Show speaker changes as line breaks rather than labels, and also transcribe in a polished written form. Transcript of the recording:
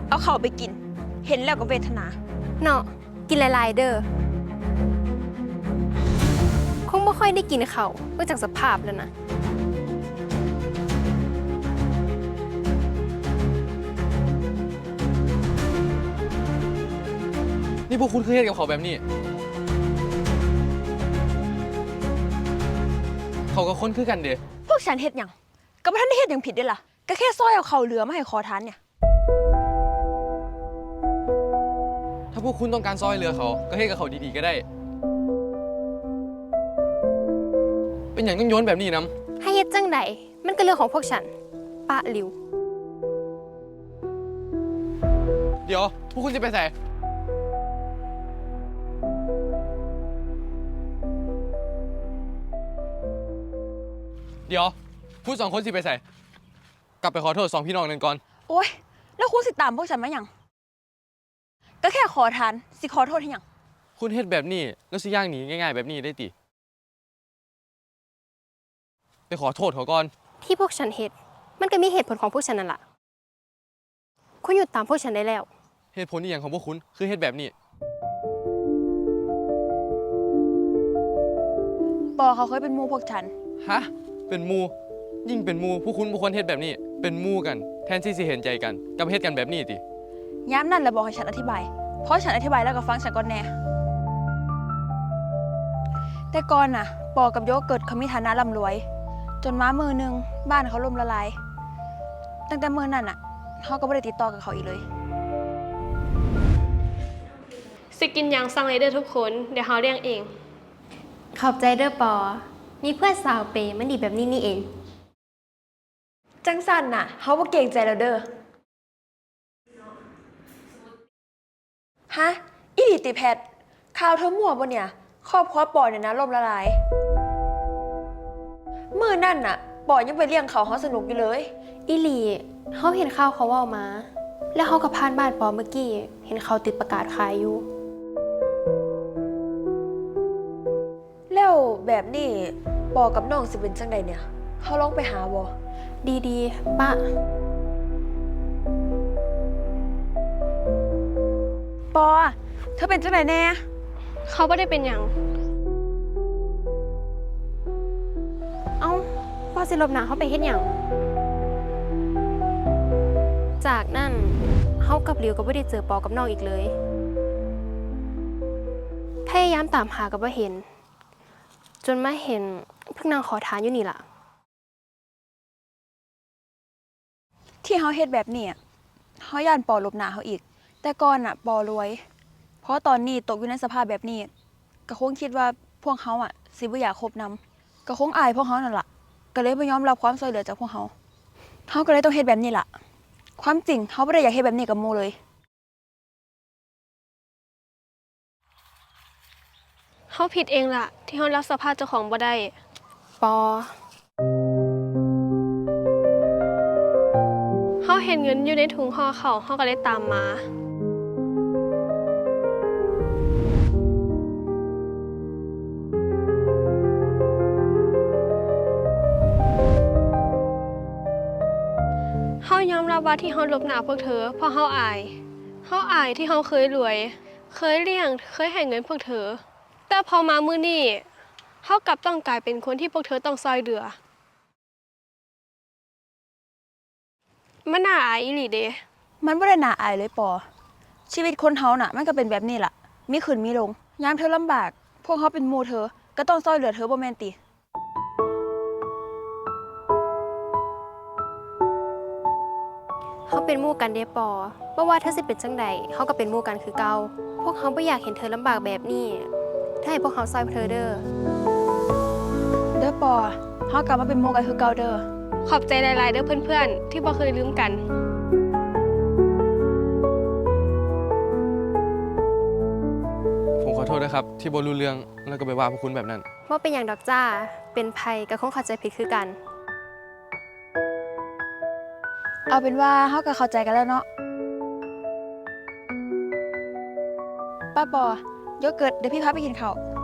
เอาเข้าไปกิน เห็นแล้วก็เวทนา
เนาะกินหลายๆเด้อคงไม่ค่อยได้กินเขาเนื่องจากสภาพแล้วนะ
นี่พวกคุณคือเฮ็ดกับเขาแบบนี้เขาก็คนคือกันเด้
พวกฉันเฮ็ดหยังก็บ่ทันได้เฮ็ดหยังผิดเด้ล่ะก็แค่ซอยเอาเข้าเหลือมาให้ขอทานเนี่ย
ถ้าพวกคุณต้องการซอยเหลือเขาก็เฮ็ดกับเขาดีๆก็ได้ เป็นอย่างต้องโยนแบบนี้น้ำ
ให้เฮ็ดจังใดมันก็เรื่องของพวกฉันปะหลิว
เดี๋ยวพวกคุณจะไปใส่เดี๋ยวพูดสองคนสิไปใส่กลับไปขอโทษสองพี่น้องนั่นก่อน
โอ๊ยแล้วคุณสิตามพวกฉันมาหยังก็แค่ขอทานสิขอโทษให้หยัง
คุณเฮ็ดแบบนี้แล้วสิย่างหนีง่ายๆแบบนี้ได้ติไปขอโทษเขาก่อน
ที่พวกฉันเฮ็ดมันก็มีเหตุผลของพวกฉันนั่นแหละคุณหยุดตามพวกฉันได้แล้ว
เหตุผลอีหยังของพวกคุณคือเฮ็ดแบบนี้
ปอเขาเคยเป็นหมู่พวกฉัน
ฮะเป็นหมู่ยิ่งเป็นหมู่พวกคุณบ่ควรเฮ็ดแบบนี้ เป็นหมู่กันแทนที่สิเห็นใจกันกับเฮ็ดกันแบบนี้ติ
ย้ำนั่นแหละบอกให้ฉันอธิบาย เพราะฉันอธิบายแล้วก็ฟังฉันก่อนแน่ แต่ก่อนน่ะ ปอกับโยเกิร์ตเขามีฐานะร่ำรวย จนมามือหนึงบ้านเขาล่มละลาย ตั้งแต่มือนั้นน่ะเขาก็ไม่ได้ติดต่อกับเขาอีกเลย
สิกินหยังสั่งเลยเด้อทุกคนเดี๋ยวเฮาเลี้ยงเอง
ขอบใจเด้อปอ มีเพื่อนสาวเปย์มันดีแบบนี้นี่เอง
จังสันน่ะเขาบ่เก่งใจแล้วเด้อ ฮะ อีหลีติแพทข่าวเธอมั่วบ่เนี่ย ครอบครัวปอเนี่ยนะล่มละลาย มือนั่นน่ะ ปอยังไปเลี้ยงเขาสนุกอยู่เลย
อีหลีเขาเห็นข่าวเขาเว่ามา แล้วเขากับพานบ้านปอเมื่อกี้ เห็นเขาติดประกาศขายอยู่
แล้วแบบนี้ปอกับน้องสิเป็นจังใดเนี่ยเขาลองไปหาบ่
ดีๆป้า
ปอเธอเป็นจังใดแน่
เขาไม่ได้เป็นหยัง
เอ้าปอสิลบหนาเขาไปเฮ็ดหยังจากนั้นเขากับหลิวก็ไม่ได้เจอปอกับน้องอีกเลย พยายามตามหากับว่าเห็น จนมาเห็นเพิ่งนางขอทานอยู่นี่ล่ะ
ที่เขาเฮ็ดแบบนี้เขาย่านปอลบหน้าเขาอีก แต่ก่อนน่ะปอรวย เพราะตอนนี้ตกอยู่ในสภาพแบบนี้ก็คงคิดว่าพวกเขาสิบ่อยากคบนำก็คงอายพวกเขานั่นล่ะก็เลยบ่ยอมรับความช่วยเหลือจากพวกเขาเขาก็เลยต้องเฮ็ดแบบนี้ล่ะ ความจริงเขาบ่ได้อยากเฮ็ดแบบนี้กับหมู่เลย
เฮาผิดเองล่ะ ที่เฮารับสภาพเจ้าของบ่ได้
ปอ
เฮาเห็นเงินอยู่ในถุงห่อเขาวเฮาก็เลยตามมา เฮายอมรับว่าที่เฮาลบหน้าพวกเธอเพราะเฮาอาย เฮาอายที่เฮาเคยรวย เคยเลี้ยง เคยให้เงินพวกเธอ แต่พอมามื้อนี้เฮากลับต้องกลายเป็นคนที่พวกเธอต้องซอยเหลือ มันน่าอายอีหลีเด้
มันบ่ได้น่าอายเลยปอ ชีวิตคนเฮาน่ะมันก็เป็นแบบนี้ล่ะ มีขึ้นมีลงยามเธอลำบาก พวกเขาเป็นหมู่เธอ ก็ต้องช่วยเหลือเธอบ่แม่นติ
เขาเป็นหมู่กันเด้ปอบ่ว่าเธอสิเป็นจังใดเขาก็เป็นหมู่กันคือเก่าพวกเขาไม่อยากเห็นเธอลำบากแบบนี้ ถ้าให้พวกเขาซอยเธอเด้อ
เด้อปอเฮากลับมาเป็นหมู่กันคือเก่าเด้อ
ขอบใจหลายๆเด้อเพื่อนๆ ที่บ่เคยลืมกัน
ผมขอโทษนะครับ ที่บ่รู้เรื่องแล้วก็ไปว่าพวกคุณแบบนั้น
ว่าเป็นอย่างดอกจ้า เป็นภัยกับคงเข้าใจผิดคือกัน
เอาเป็นว่าเฮาก็เข้าใจกันแล้วเนาะป้าปอโยเกิร์ตเดี๋ยวพี่พาไปกินข้าว